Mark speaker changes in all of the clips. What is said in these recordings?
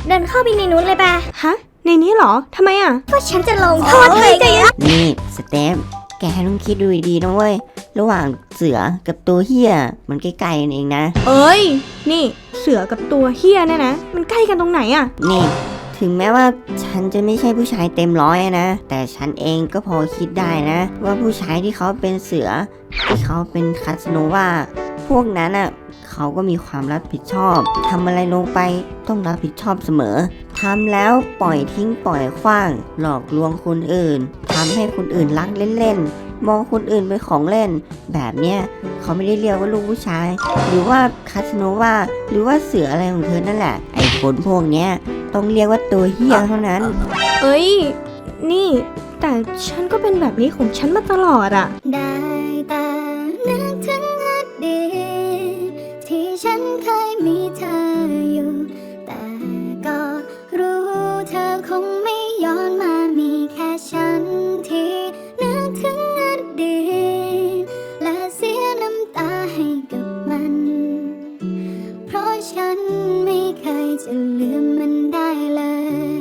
Speaker 1: เดินเข้าไปในนู้นเลยปะ
Speaker 2: ฮะในนี้เหรอทำไมอ่ะ
Speaker 1: ก็ฉันจะลงโทษเธอไง
Speaker 3: นี่สเตฟแกต้องคิดดูดีๆนะเว้ยระหว่างเสือกับตัวเฮียมันใกล้ๆกันเองนะ
Speaker 2: เอ้ยนี่เสือกับตัวเฮียเนี่ยนะมันใกล้กันตรงไหนอ่ะ
Speaker 3: นี่ถึงแม้ว่าฉันจะไม่ใช่ผู้ชายเต็มร้อยนะแต่ฉันเองก็พอคิดได้นะว่าผู้ชายที่เขาเป็นเสือที่เขาเป็นคาสโนวาพวกนั้นอ่ะเขาก็มีความรับผิดชอบทำอะไรลงไปต้องรับผิดชอบเสมอทำแล้วปล่อยทิ้งปล่อยขว้างหลอกลวงคนอื่นทำให้คนอื่นรักเล่นๆมองคนอื่นเป็นของเล่นแบบเนี้ยเขาไม่ได้เรียกว่าลูกผู้ชายหรือว่าคาสโนวาหรือว่าเสืออะไรของเธอนั่นแหละไอ้คนพวกเนี้ยต้องเรียกว่าตัวเหี้ยเท่านั้น
Speaker 2: เอ้ยนี่แต่ฉันก็เป็นแบบนี้ของฉันมาตลอดอ่ะ
Speaker 1: ได้แต่นึกถึงอดีตที่ฉันเคยมีเธออยู่แต่ก็รู้เธอคงไม่ย้อนมามีแค่ฉันที่นึกถึงอดีตและเสียน้ำตาให้กับมันเพราะฉันไม่เคยจะลืมมันได้เลย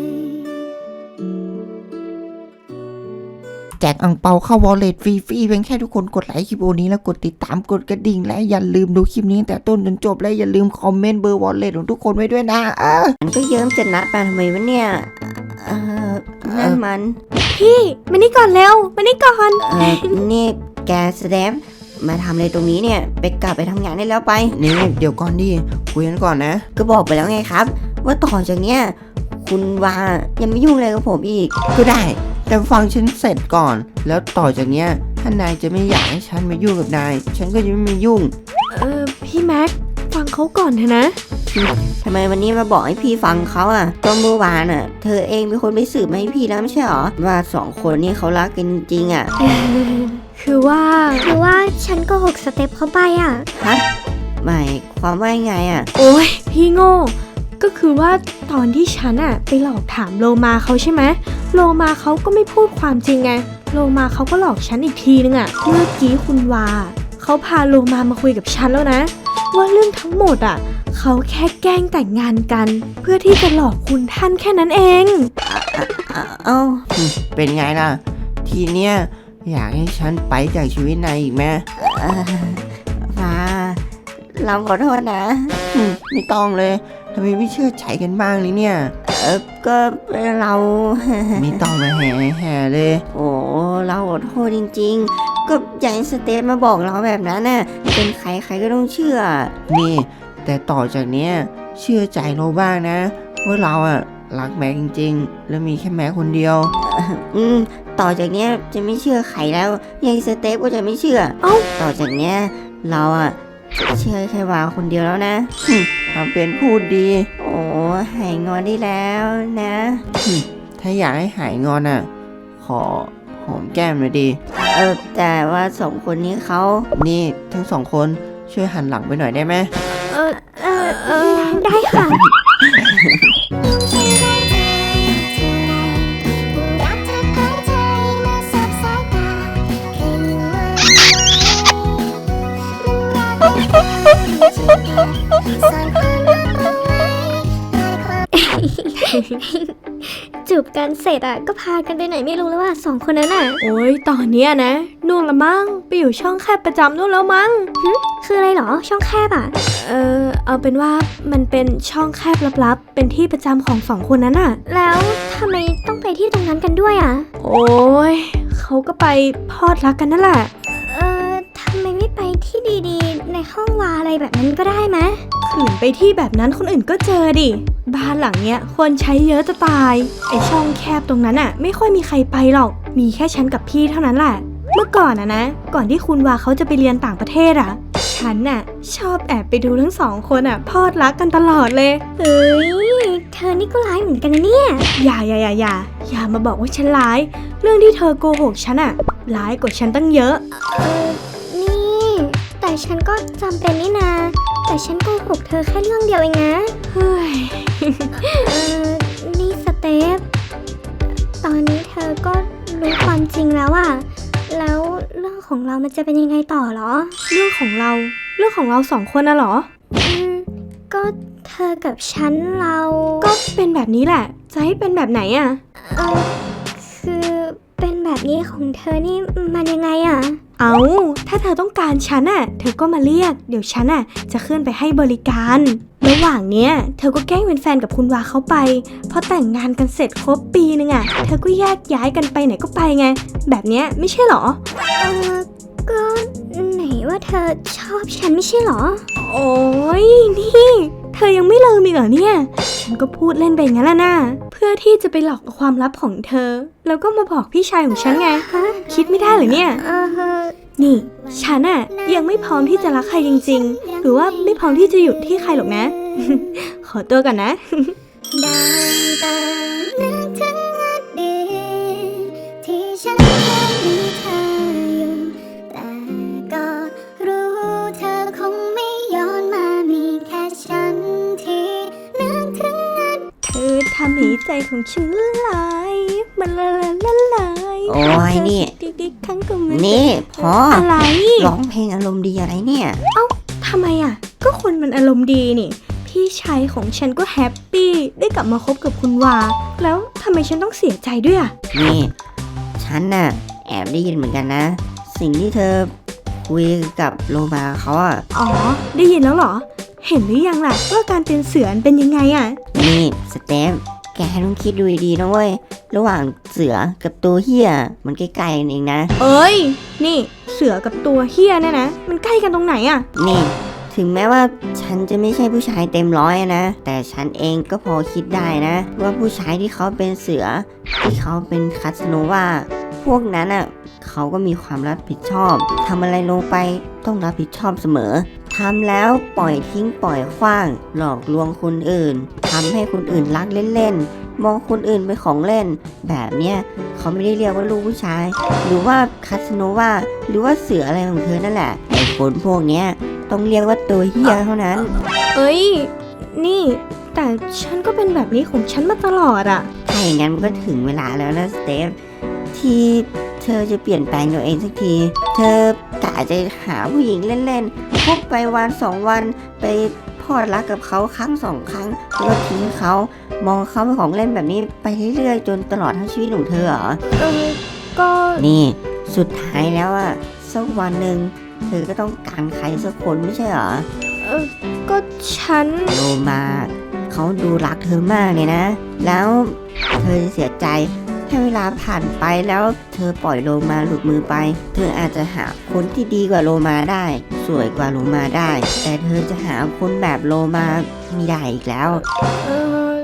Speaker 4: แจกอั่งเปาเข้าวอลเล็ตฟรีๆเพียงแค่ทุกคนกดไลค์คลิปโอนี้แล้วกดติดตามกดกระดิ่งและอย่าลืมดูคลิปนี้ตั้งแต่ต้นจนจบและอย่าลืมคอมเมนต์เบอร์วอลเล็ตของทุกคนไว้ด้วยนะ
Speaker 3: มันก็เยิ้มจะนัดมาทำไมวะเนี่ยนั่นมัน
Speaker 2: พี่มานี่ก่อนเร็วมานี่ก่อน
Speaker 3: นี่แกแสดงมาทำอะไรตรงนี้เนี่ยไปกลับไปทำงานได้แล้วไป
Speaker 4: นี่เดี๋ยวก่อนดิคุยกันก่อนนะ
Speaker 3: ก็บอกไปแล้วไงครับว่าต่อจากเนี้ยคุณวายังไม่ยุ่งอะไรกับผมอีก
Speaker 4: ก็ได้แต่ฟังฉันเสร็จก่อนแล้วต่อจากเนี้ยถ้านายจะไม่อยากให้ฉันมายุ่งกับนายฉันก็จะไม่มายุ่ง
Speaker 2: พี่แม็กฟังเขาก่อนเถอะนะ
Speaker 3: ทำไมวันนี้มาบอกให้พี่ฟังเขาอ่ะก็เมื่อวานอ่ะเธอเองเป็นคนไปสืบมาให้พี่แล้วไม่ใช่หรอว่าสองคนนี้เขารักกันจริงๆอ่ะ
Speaker 2: คือว่า
Speaker 1: ฉันก็หกสเต็ปเข้าไปอ่ะ
Speaker 3: ฮะหมายความว่าไงอ่ะ
Speaker 2: โอ้ยพี่โง่ก็คือว่าตอนที่ฉันอะไปหลอกถามโลมาเขาใช่ไหมโลมาเขาก็ไม่พูดความจริงไงโลมาเขาก็หลอกฉันอีกทีนึงอะเมื่อกี้คุณวาเขาพาโลมาคุยกับฉันแล้วนะว่าเรื่องทั้งหมดอะเขาแค่แกล้งแต่งงานกันเพื่อที่จะหลอกคุณท่านแค่นั้นเอง
Speaker 3: เอ้า
Speaker 4: เป็นไงล่ะทีเนี้ยอยากให้ฉันไปจากชีวิตนายอีกไหม
Speaker 3: ฟ้าเราขอโทษนะ
Speaker 4: ไม่ต้องเลยทำไมไม่เชื่อใจกันบ้างเลยเนี่ย
Speaker 3: ก็เรา
Speaker 4: ไม่ต้องมาแห่เลย
Speaker 3: โอ้เราขอโทษจริงๆก็อย่างสเตทมาบอกเราแบบนั้นน่ะเป็นใครก็ต้องเชื่อ
Speaker 4: นี่แต่ต่อจากเนี้ยเชื่อใจเราบ้างนะว่าเราอะรักแม็กจริงๆแล้วมีแค่แม็กคนเดียว
Speaker 3: ต่อจากเนี้ยจะไม่เชื่อใครแล้วยังสเตทก็จะไม่เชื่อต่อจากเนี้ยเราอะเชื่อแค่วาคนเดียวแล้วนะ
Speaker 4: ทำเป็นพูดดี
Speaker 3: โอ้หายงอนได้แล้วนะ
Speaker 4: ถ้าอยากให้หายงอนอ่ะขอหอมแก้มหน่อยดี
Speaker 3: แต่ว่าสองคนนี้เขา
Speaker 4: นี่ทั้งสองคนช่วยหันหลังไปหน่อยได้ไหม
Speaker 1: ได้ค่ะจูบกันเสร็จอ่ะก็พากันไปไหนไม่รู้แล้วว่าสองคนนั้นอ่ะ
Speaker 2: โอ้ยตอนเนี้ยนะนู่นละมั้งไปอยู่ช่องแคบประจำนู่นแล้วมั้ง
Speaker 1: คืออะไรหรอช่องแคบอ่ะ
Speaker 2: เอาเป็นว่ามันเป็นช่องแคบลับๆเป็นที่ประจำของสองคนนั้นอ่ะ
Speaker 1: แล้วทำไมต้องไปที่ตรงนั้นกันด้วยอ่ะ
Speaker 2: โอ้ยเขาก็ไปพอดรักกันนั่นแหละ
Speaker 1: ทำไมไม่ไปที่ดีๆในห้องวาอะไรแบบนั้นก็ได้ไหม
Speaker 2: ขืนไปที่แบบนั้นคนอื่นก็เจอดิบ้านหลังเนี้ยคนใช้เยอะจะตายไอช่องแคบตรงนั้นอ่ะไม่ค่อยมีใครไปหรอกมีแค่ฉันกับพี่เท่านั้นแหละเมื่อก่อนนะก่อนที่คุณวาเขาจะไปเรียนต่างประเทศอ่ะฉันน่ะชอบแอบไปดูทั้งสองคนอ่ะพอดรักกันตลอดเลย
Speaker 1: เฮ้ยเธอนี่ก็ร้ายเหมือนกันนะเนี่ย
Speaker 2: อย่ามาบอกว่าฉันร้ายเรื่องที่เธอโกหกฉันอ่ะร้ายกว่าฉันตั้งเยอะ
Speaker 1: แต่ฉันก็จำเป็นนี่นาแต่ฉันโกหกเธอแค่เรื่องเดียวเองนะ
Speaker 2: เฮ้ย
Speaker 1: นี่สเตฟตอนนี้เธอก็รู้ความจริงแล้วอะแล้วเรื่องของเรามันจะเป็นยังไงต่อหรอ
Speaker 2: เรื่องของเราสองคนน่ะหรอ
Speaker 1: ก็เธเธอกับฉันเรา
Speaker 2: ก็เป็นแบบนี้แหละ จะให้เป็นแบบไหนอะ
Speaker 1: คือเป็นแบบนี้ของเธอนี่มันยังไงอะ
Speaker 2: เอาถ้าเธอต้องการฉันอะเธอก็มาเรียก เดี๋ยวฉันอะจะขึ้นไปให้บริการ ระหว่างเนี้ยเธอก็แกล้งเป็นแฟนกับคุณวาเขาไปพอแต่งงานกันเสร็จครบปีนึงอะเธอก็แยกย้ายกันไปไหนก็ไปไง แบบเนี้ยไม่ใช่หรอ
Speaker 1: ก็ไหนว่าเธอชอบฉันไม่ใช่หรอ
Speaker 2: โอ้ยนี่เธอยังไม่ลืมอีกเหรอเนี่ย ฉันก็พูดเล่นไปงั้นแหละนะเพื่อที่จะไปหลอกเอาความลับของเธอ แล้วก็มาบอกพี่ชายของฉันไง คิดไม่ได้เหรอเนี่ย นี่ฉันอะยังไม่พร้อมที่จะรักใครจริงๆ หรือว่าไม่พร้อมที่จะหยุดที่ใครหรอกนะ ขอตัวก่อนนะ
Speaker 1: ได้แต่นึกถึงอดีตที่ฉันเคยมีเธออยู่ แต่ก็รู้เธอคงไม่ย้อนมามีแค่ฉันที่นึกถึงอดีต
Speaker 2: เธอทำให้ใจของฉันละลายมันละลาย
Speaker 3: โอ้ยนี่
Speaker 2: ดิกครั้งก็ไม่
Speaker 3: นี่พอ
Speaker 2: อะไร
Speaker 3: ร้องเพลงอารมณ์ดีอะไรเนี่ย
Speaker 2: ทำไมอ่ะ ก็คนมันอารมณ์ดีนี่ พี่ชายของฉันก็แฮปปี้ได้กลับมาคบกับคุณวา แล้วทำไมฉันต้องเสียใจด้วยอ่ะ
Speaker 3: นี่ ฉันน่ะแอบได้ยินเหมือนกันนะ สิ่งที่เธอคุยกับโลมาเขาอะ
Speaker 2: อ๋อ ได้ยินแล้วเหรอ เห็นหรือยังล่ะว่าการเป็นเสือเป็นยังไงอ่ะ
Speaker 3: นี่สเตฟแกต้องคิดดูดีๆนะเว้ย ระหว่างเสือกับตัวเฮียมันใกล้ๆกันเองนะ
Speaker 2: เอ้ย นี่เสือกับตัวเฮียเนี่ยนะ มันใกล้กันตรงไหนอ่ะ
Speaker 3: นี่ ถึงแม้ว่าฉันจะไม่ใช่ผู้ชายเต็มร้อยนะ แต่ฉันเองก็พอคิดได้นะ ว่าผู้ชายที่เขาเป็นเสือ ที่เขาเป็นคาสโนวาพวกนั้นอ่ะเขาก็มีความรับผิดชอบทำอะไรลงไปต้องรับผิดชอบเสมอทำแล้วปล่อยทิ้งปล่อยขว้าง หลอกลวงคนอื่นทำให้คนอื่นรักเล่นๆมองคนอื่นเป็นของเล่น แบบเนี้ยเขาไม่ได้เรียกว่าลูกผู้ชาย หรือว่าคาสโนวาหรือว่าเสืออะไรของเธอนั่นแหละไอ้คนพวกเนี้ยต้องเรียกว่าตัวเฮียเท่านั้น
Speaker 2: เอ้ย นี่ แต่ฉันก็เป็นแบบนี้ของฉันมาตลอดอ่ะ
Speaker 3: ถ้าอย่างนั้นมันก็ถึงเวลาแล้วนะสเตฟที่เธอจะเปลี่ยนแปลงตัวเองสักที เธอกะจะหาผู้หญิงเล่นๆพบไปวันสองวันไปพอดรักกับเขาครั้งสองครั้งแล้วก็ทิ้งเขามองเขาเป็นของเล่นแบบนี้ไปเรื่อยๆจนตลอดทั้งชีวิตของเธอเหรอ
Speaker 2: ก็
Speaker 3: นี่สุดท้ายแล้วอะสักวันหนึ่งเธอก็ต้องการใครสักคนไม่ใช่เหรอ
Speaker 2: ก็ฉัน
Speaker 3: โลมาเขาดูรักเธอมากเลยนะ แล้วเธอจะเสียใจถ้าเวลาผ่านไปแล้วเธอปล่อยโลมาหลุดมือไป เธออาจจะหาคนที่ดีกว่าโลมาได้ สวยกว่าโลมาได้ แต่เธอจะหาคนแบบโลมาไม่ได้อีกแล้ว
Speaker 2: เออ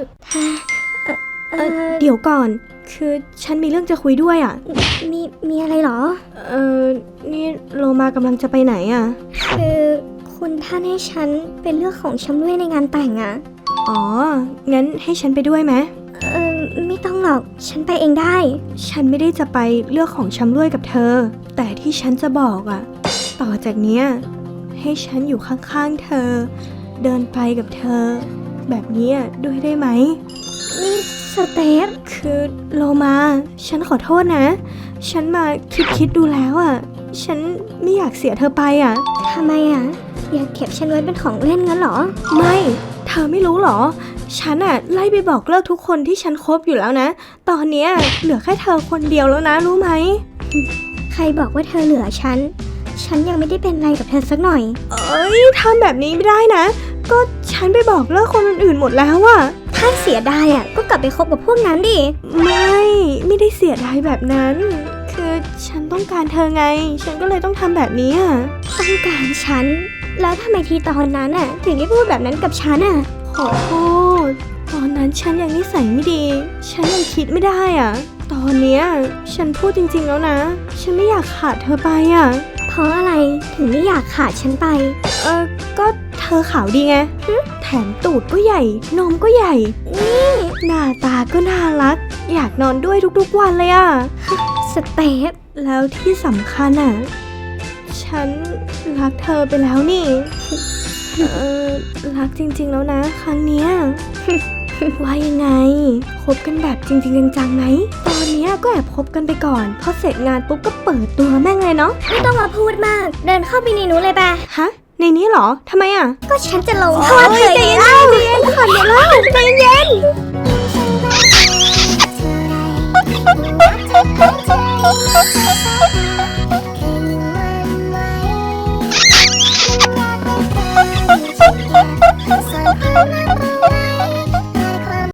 Speaker 2: เดี๋ยวก่อน คือฉันมีเรื่องจะคุยด้วยอ่ะ
Speaker 1: มีอะไรเหรอ
Speaker 2: นี่โลมากำลังจะไปไหนอ่ะ
Speaker 1: คือคุณท่านให้ฉันเป็นเลือกของชำร่วยในงานแต่งอะ
Speaker 2: อ๋อ งั้นให้ฉันไปด้วยไหม
Speaker 1: ไม่ต้องหรอกฉันไปเองได้
Speaker 2: ฉันไม่ได้จะไปเลือกของชำร่วยกับเธอ แต่ที่ฉันจะบอกอ่ะ ต่อจากเนี้ยให้ฉันอยู่ข้างๆเธอ เดินไปกับเธอ แบบนี้ด้วยได้ไหม
Speaker 1: นี่สเตฟ
Speaker 2: คือโลมา ฉันขอโทษนะ ฉันมาคิดดูแล้วอ่ะ ฉันไม่อยากเสียเธอไปอ่ะ
Speaker 1: ทำไมอะอยากเก็บฉันไว้เป็นของเล่นงั้นเหรอ
Speaker 2: ไม่ เธอไม่รู้หรอ ฉันอะไล่ไปบอกเลิกทุกคนที่ฉันคบอยู่แล้วนะ ตอนเนี้ยเหลือแค่เธอคนเดียวแล้วนะ รู้ไหม
Speaker 1: ใครบอกว่าเธอเหลือฉัน ฉันยังไม่ได้เป็นอะไรกับเธอสักหน่อย
Speaker 2: เอ้ยทำแบบนี้ไม่ได้นะ ก็ฉันไปบอกเลิกคนอื่นๆหมดแล้วอะ
Speaker 1: ถ้าเสียดายอะก็กลับไปคบกับพวกนั้นดิ
Speaker 2: ไม่ได้เสียดายแบบนั้น คือฉันต้องการเธอไง ฉันก็เลยต้องทำแบบนี้อะ
Speaker 1: ต้องการฉัน แล้วทำไมทีตอนนั้นอะถึงได้พูดแบบนั้นกับฉันอะ
Speaker 2: ขอโทษ ตอนนั้นฉันยังนิสัยไม่ดี ฉันยังคิดไม่ได้อะตอนเนี้ยฉันพูดจริงๆแล้วนะ ฉันไม่อยากขาดเธอไปอะ
Speaker 1: เพราะอะไรถึงไม่อยากขาดฉันไป
Speaker 2: ก็เธอขาวดีไงแถมตูดก็ใหญ่ นมก็ใหญ่ นี่หน้าตาก็น่ารัก อยากนอนด้วยทุกๆวันเลยอะ
Speaker 1: สเตฟ
Speaker 2: แล้วที่สำคัญอะฉันรักเธอไปแล้วนี่ รักจริงๆแล้วนะ ครั้งเนี้ย ว่ายังไง คบกันแบบจริงๆจังๆไหม ตอนเนี้ยก็แอบคบกันไปก่อน พอเสร็จงานปุ๊บก็เปิดตัวแม่งเลยเนาะ
Speaker 1: ไม่ต้องมาพูดมาก เดินเข้าไปในนู้นเลยปะ
Speaker 2: ฮะในนี้เหรอทำไมอ่ะ
Speaker 1: ก็ฉันจะลงโทษเธอไงเล่าใจเย็นใจเย็น